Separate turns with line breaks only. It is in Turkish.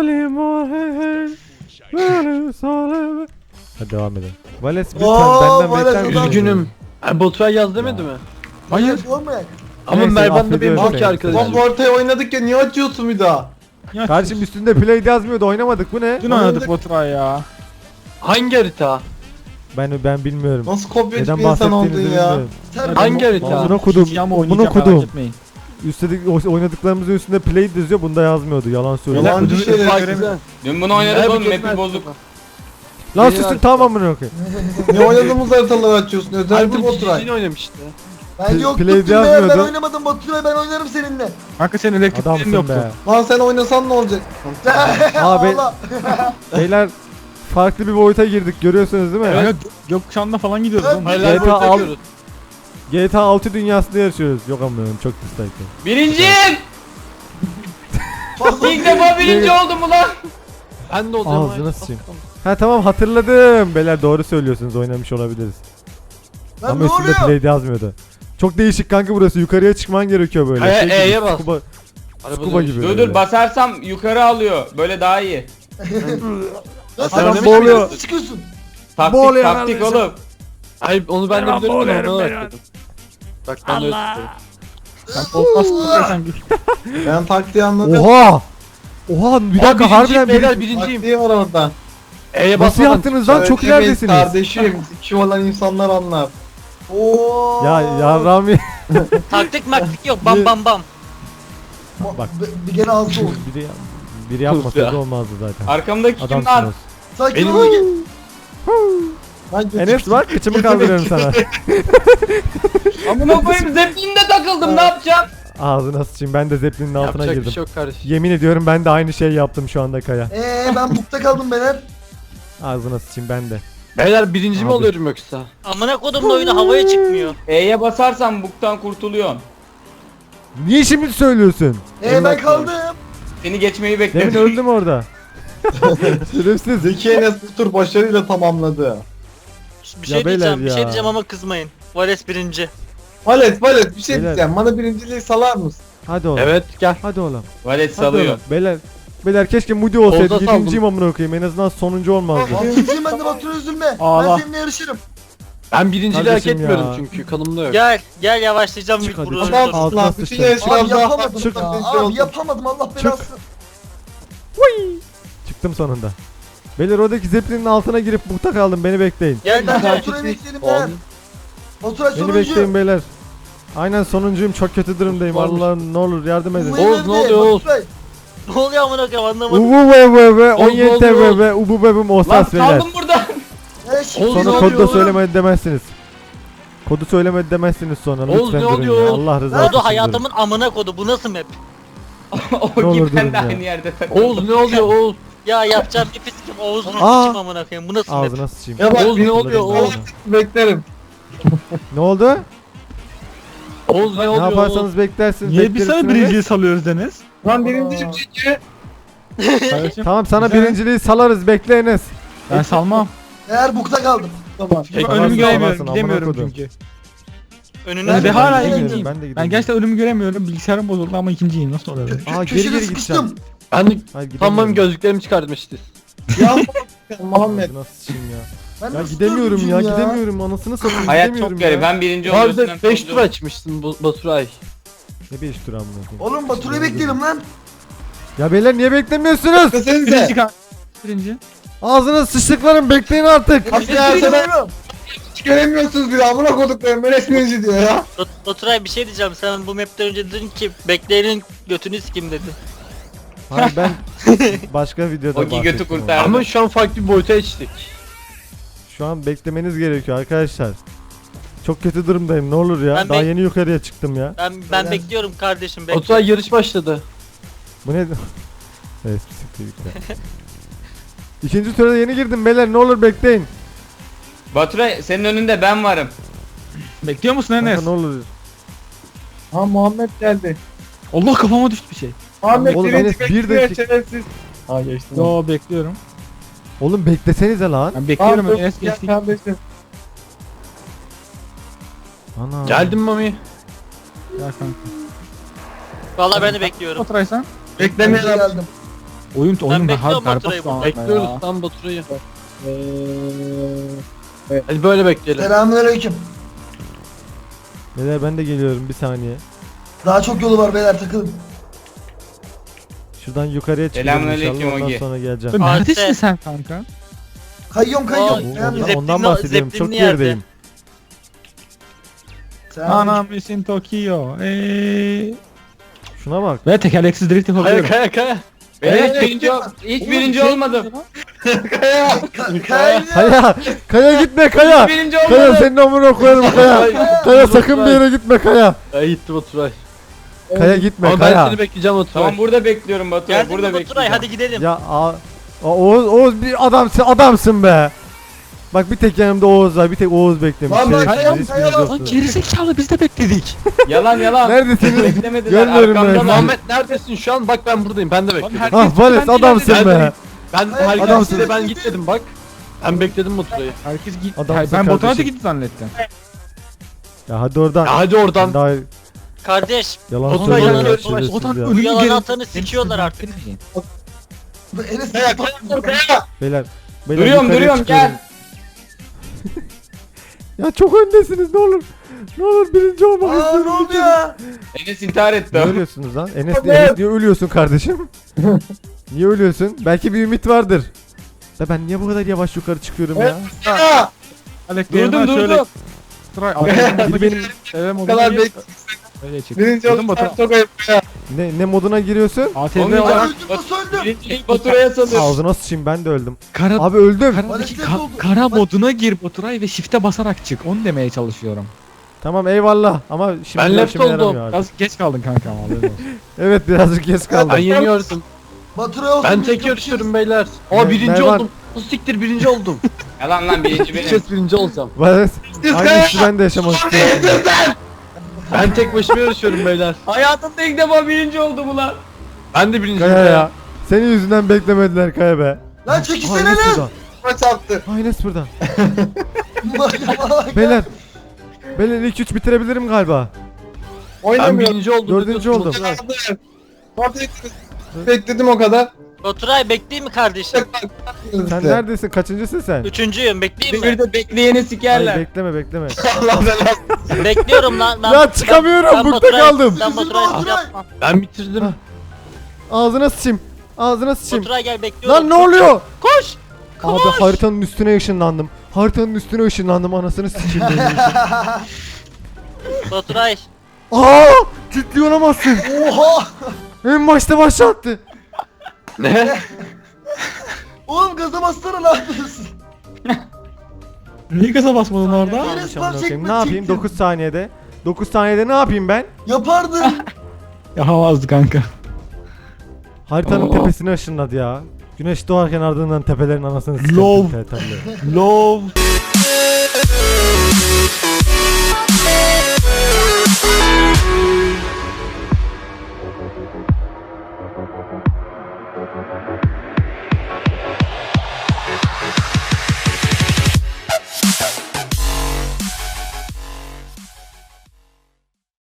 Hadi devam edelim. Vales lütfen
Oo,
benden
Vales,
bekler misin?
Üzgünüm. Baturay yaz demedi mi?
Hayır. Olmayak.
Ama
Neyse,
Mervan da benim
affediyorum
çok iyi
seni.
arkadaşım.
Lan bu haritayı oynadık ya, niye açıyorsun bir daha?
Kardeşim üstünde play yazmıyordu, oynamadık, bu ne?
Dün oynadık Baturay ya.
Hangi harita?
Ben bilmiyorum.
Nasıl kopyacı
Neden
bir insan oldun
bahsettiğinizi
ya?
bilmiyorum.
Sen
Hangi harita?
Buna kudum.
Ama
Buna
oynayacağım merak
kudum.
etmeyin.
Üstelik oynadıklarımızın üstünde play yazıyor, bunda yazmıyordu. Yalan söylüyor.
Yalan. Yalancı
Baturay
şeyler
göremiyorum.
Güzel.
Dün bunu oynadık
Evet,
oğlum,
çok
map'i
merak
bozuk.
ettim.
Lan
Yeni
susun,
harita.
tamam amına koyayım.
ne oynadığımız haritaları açıyorsun?
Ay
Özellikle
bu
Baturay.
cicini oynamıştı.
Ben yoktum
Play
dün be, ben
yazmıyordu.
oynamadım Baturay, ben oynarım seninle.
Kanka senin elektriklerin
Adamsın
yoktu.
be.
Lan sen oynasan ne olacak?
Abi-
Allah.
Beyler farklı bir boyuta girdik, görüyorsunuz değil mi?
Kanka gökkuşağında falan gidiyoruz oğlum.
Hayırlar
GTA
boyuta
al-
gidiyoruz.
GTA 6 dünyasında yaşıyoruz. Yok amına çok dislike.
Birinciyim!
Fazla
İlk defa birinci oldum ulan!
Ben de olacağım.
Ağzına sıçayım. Ha tamam, hatırladım. Beyler doğru söylüyorsunuz, oynamış olabiliriz.
Lan
Ama
ne
üstünde
oluyor?
play yazmıyordu. Çok değişik kanka burası. Yukarıya çıkman gerekiyor böyle.
A'ya-
Şey gibi,
E'ye bas.
Scuba,
Araba
scuba
dönüş.
gibi.
Dur
böyle.
dur, basarsam yukarı alıyor. Böyle daha iyi.
Lan
Adam
sen
boğuluyor.
nasıl çıkıyorsun?
Taktik
Boğuluyor
taktik
kardeşim.
oğlum.
Hayır onu ben de
Mervan
biliyorum.
boğuluyorum,
Onu
Mervan.
öğretmedim. Bak ben de öğretmedim.
Sen olmaz sanki.
Ben taktiği anladım.
Oha! Oha bir dakika, harbiden
beyler
bir...
birinciyim.
Taktiği var orada.
E'ye
Nasıl
basmadan
yaptınız lan? Çok
Söylemeyin
ileridesiniz.
Kardeşim, iki olan insanlar anlar. Oo.
Ya Rami.
Taktik maktik yok, bam bam bam.
Bak.
Bir kere ağzı oldu.
Biri yapmasaydı olmazdı zaten.
Arkamdaki kim lan?
Adamsınız.
Sakin
Benim-
ol. Ben
Enes bak, kıçımı kaldırıyorum sana.
Amına koyayım, zeplinle takıldım, ne yapacağım?
Ağzına sıçayım, ben de zeplinin altına
Yapacak bir
girdim.
şey yok kardeşim.
Yemin ediyorum ben de aynı şeyi yaptım şu anda Kaya.
Ben bukta kaldım beyler.
Ağzına sıçayım ben de.
Beyler birinci mi
Abi.
oluyorum yoksa?
Amına kodumla oyunu havaya çıkmıyor.
E'ye basarsan buktan kurtuluyorsun.
Niye şimdi söylüyorsun?
Ben kaldım.
Seni geçmeyi
Demin
bekledim.
öldüm orada. Şerefsiz.
Zeki Enes bu tur başarıyla tamamladı.
Bir şey
Ya beyler
diyeceğim, bir
ya.
şey diyeceğim ama kızmayın. Vales birinci.
Valet bir şey
Beyler.
diyeceğim. Bana birinciliği salar mısın?
Hadi oğlum.
Evet gel.
Hadi oğlum.
Valet
Hadi
salıyor.
oğlum. Beyler keşke Moody olsaydı.
Olda saldım.
7.'yim amına koyayım. En azından sonuncu olmazdı.
Birinciyim ben de Batur, üzülme. Ben
Ağla.
seninle yarışırım.
Ben birinciliği hak
Kardeşim
etmiyorum
ya.
çünkü kanımda yok.
Gel yavaşlayacağım
Çık
bir
hadi,
burada.
çık.
Adamsın
Altına
lan. Bütün
sıçtım.
yarışlar Abi yapamadım.
Çık.
Abi yapamadım, Allah belasını.
Çıktım sonunda. Beyler oradaki zeplinin altına girip bukta kaldım. Beni bekleyin.
Gel
Ben
gel.
Batur'a bekleyelim ben. Batur'a
Beni
sonuncu.
bekleyin beyler. Aynen sonuncuyum. Çok kötü durumdayım.
Varmış.
Allah'ım ne olur yardım edin.
Oğuz, ne oluyor Oğuz?
Ne oluyor amına koyayım anlamadım.
Ubu bebe
Oğuz,
17
ne oluyor?
bebe ubu bebim
Lan
osas beyler.
kaldım burada.
Oğuz,
Sonra
ne
kodu da
oluyor oğlum?
söylemedi demezsiniz. Kodu söylemedi demezsiniz sonra.
Oğuz,
Lütfen
ne
durun
oluyor
ya.
Oğuz?
Allah rızası için
Kodu
durun.
hayatımın amına kodu. Bu nasıl map?
O
Ne olur
gibi ben
durun
de
ya.
aynı yerde takıldım.
Oğuz ne oluyor Oğuz?
Ya yapacağım bir pislik. Oğuz'unu
Aa.
sıçayım amına koyayım. Bu nasıl map?
Ağzına sıçayım.
Ya bak,
Oğuz ne oluyor Oğuz?
Beklerim.
Ne oldu?
Oğuz ne
Ne
oluyor Oğuz?
yaparsanız beklersiniz.
Niye biz sana
bekleriz.
birinciyi salıyoruz Deniz?
Lan birinciyim çünkü.
Kardeşim
Tamam sana
Güzel.
birinciliği salarız, bekleyiniz.
ben salmam.
Eğer bukta kaldım. Tamam.
Çünkü
Salarsın,
önümü göremiyorum,
salarsın, amına
gidemiyorum
kodum.
çünkü.
Önüne
Ben de
Ben
hala
gidemiyorum,
ikinciyim.
ben de
Ben
gidemiyorum.
gerçekten önümü göremiyorum. Bilgisayarım bozuldu ama ikinciyim. Nasıl olabilir?
Aa geri
Köşede
geri
sıkıştım.
gideceğim.
Ben de
Hayır,
tamam
gidemiyorum.
gözlüklerimi çıkartmıştı.
Ya Muhammed.
Ağzına sıçayım ya.
Ben
Ya
nasıl
gidemiyorum ya,
dördüncüyüm
gidemiyorum. Anasını satayım,
Hayat
gidemiyorum
çok garip.
ya.
Ben birinci oluyorum.
Harbiden 5 tur açmışsın Baturay.
Ne 5 tur amına koyayım.
Oğlum Batur'u bekleyelim lan.
Ya beyler niye beklemiyorsunuz?
Birinci
Desenize.
kan. Birinci.
Ağzına sıçtıklarım, bekleyin artık.
Hadi ya sen hiç göremiyorsunuz bile, amına koduklarım, ben resminci diyor ya.
Baturay bir şey diyeceğim. Sen bu mapten önce dedin ki bekleyenin götünü sikim dedi.
Hayır ben başka videoda
O götü
bahsettim
kurtardı.
onu.
Ama şu an farklı bir boyuta geçtik.
Şu an beklemeniz gerekiyor arkadaşlar. Çok kötü durumdayım, ne olur ya.
Ben
Daha
bek-
yeni yukarıya çıktım ya.
Ben
Neden?
bekliyorum kardeşim. Bekle.
Baturay yarış başladı.
Bu ne? Evet, siktir git ya. İkinci tura yeni girdim beyler, ne olur bekleyin.
Baturay senin önünde ben varım.
Bekliyor musun
Kanka,
Enes?
ne olur.
Ha Muhammed geldi.
Allah kafama düştü bir şey.
Muhammed
Oğlum,
birinci
Enes, bir
bekliyor,
dakika.
şerefsiz. Ha geçtim.
Yo bekliyorum.
Oğlum beklesenize lan.
Ben bekliyorum
Tamam,
Enes
gel
geçti.
kardeşim.
Ana.
Geldim Mami.
Ya kanka.
Vallahi ben de bekliyorum.
Baturay sen?
Beklemeye geldim.
Oyun
bekliyorum
hard
Baturay'ı
berbat.
burada.
Bekliyoruz lan Baturay'ı. Hadi böyle bekleyelim.
Selamünaleyküm.
Beyler ben de geliyorum bir saniye.
Daha çok yolu var beyler takılın.
Şuradan yukarıya çıkıyorum
Selamünaleyküm
inşallah ondan
Ogi.
sonra geleceğim.
Neredesin
Arte.
sen kanka?
Kayıyorum
Aa,
kayıyorum.
Ondan
Zeppelin'li-
bahsediyorum. Çok
Zeppelin'li yerde.
gerideyim.
Anam misin Tokyo.
Şuna bak.
Ve tekerleksiz drift
Kaya
yapabiliyorum.
kaya kaya.
Ben
Evet,
hiç birinci, hiç birinci olmadım.
Kaya. Kaya.
Kaya! Kaya gitme Kaya!
Hiç birinci
Kaya
olmadım.
senin amına koyarım Kaya! Kaya sakın bir yere gitme Kaya!
Kaya gitti Baturay.
Kaya gitme
Ama ben
Kaya!
seni bekleyeceğim Baturay.
Tamam burada bekliyorum Baturay.
Geldin
Burada
mi Baturay?
bekliyorum.
Hadi gidelim.
Ya Oğuz bir adamsın be! Bak bir tek yanımda Oğuz var, bir tek Oğuz beklemiş.
Lan bak,
Şerefsiz,
Kaya,
hiçbiriniz
Kaya,
yoksunuz.
Lan gerizekalı biz de bekledik.
Yalan yalan.
Neredesiniz?
Beklemediler.
Görmüyorum ben.
Arkamdalar.
Muhammed neredesin şu an? Bak ben buradayım. Ben de bekliyorum.
herkes-
Ah Vales adamsın
Ben
be!
de- Ben
Adamsın.
herkese ben gitmedim bak. Ben bekledim Baturay'ı.
Herkes gitti.
Adamsın
Hayır, ben Baturay da
kardeşim.
gitti zannettim.
Ya hadi oradan.
Ya hadi oradan.
Daha
Kardeş,
yalan
Otan
söylüyor ya,
geliyor,
şerefsiz
Otan
ya.
bu
ölümü
yalan
geri-
atanı sikiyorlar artık.
Enes
Beyler
Duruyorum
yukarıya
duruyorum
çıkıyorum.
gel.
Ya çok öndesiniz ne olur. Ne olur birinci olmak
Aa ne
istiyorum.
oldu ya?
Enes intihar etti.
Ne ölüyorsunuz lan? Enes niye ölüyorsun kardeşim? Niye ölüyorsun? Belki bir ümit vardır. Da ben niye bu kadar yavaş yukarı çıkıyorum ya?
Ya.
Durdum durdum.
Biri benim
Bu kadar bek.
Öyle çık.
Birinci
Duydun
oldum
Baturay.
çok ayıp ya.
ne moduna giriyorsun?
ATV
Olmayacak.
olarak
Öldüm nasıl öldüm?
Birincilik Baturay'a salıyor.
Ağzına sıçayım ben de öldüm.
kara,
Abi öldüm.
karadaki
Vales oldu.
kara moduna gir Baturay ve shift'e basarak çık. Onu demeye çalışıyorum.
Tamam eyvallah ama şimdi
Ben
bu
left
işime
oldum.
yaramıyor artık.
Biraz geç kaldın kanka ama haberin olsun.
Evet birazcık geç kaldım.
Ben yeniyordum.
Baturay olsun.
Ben
biz
tek
çok
yarışıyorum beyler.
Ben-
Aa birinci
ben-
oldum. Bu siktir birinci oldum.
Yalan lan birinci
Bir
benim.
kez birinci olacağım.
Evet. Aynı hissi ben de yaşamak istiyorum.
Ben tek başıma yarışıyorum beyler.
Hayatımda ilk defa birinci oldum ulan.
Ben de birinciyim.
Kaya ya. Senin yüzünden beklemediler Kaya be.
Lan
Aha,
çekilsene
Enes
lan.
burada.
Maç attı.
Aha, Enes burada.
Bak.
Beyler. Beyler ilk 3 bitirebilirim galiba.
Ben
Oynamıyorum.
birinci oldum.
Dördüncü oldum.
Bekledim o kadar.
Baturay bekleyeyim mi kardeşim?
Sen neredesin? Kaçıncısın sen?
Üçüncüyüm, bekleyeyim mi?
Devirde bekleyeni
Hayır
sikerler.
bekleme bekleme.
Allah belanı.
Bekliyorum lan.
Ya çıkamıyorum, bukta
Baturay-
kaldım.
Ben Baturay'a
Baturay.
yapmam.
Ben bitirdim.
Ha. Ağzına sıçayım. Ağzına sıçayım.
Baturay gel bekliyorum.
Lan ne oluyor?
Koş!
Abi haritanın üstüne ışınlandım. Haritanın üstüne ışınlandım anasını sıçayım benim için.
Baturay.
Aa! Ciddi olamazsın.
Oha.
En başta başlattı.
Ne?
Oğlum gaza bastırın lan.
Niye gaza basmadın orada?
Enes
Amına
var
koyayım,
çekme
ne yapayım
çektim.
9 saniyede? 9 saniyede ne yapayım ben?
Yapardın.
Yapamazdı kanka.
Haritanın tepesine ışınladı ya. Güneş doğarken ardından tepelerin anasını
Love.
sıçrattı.
Love.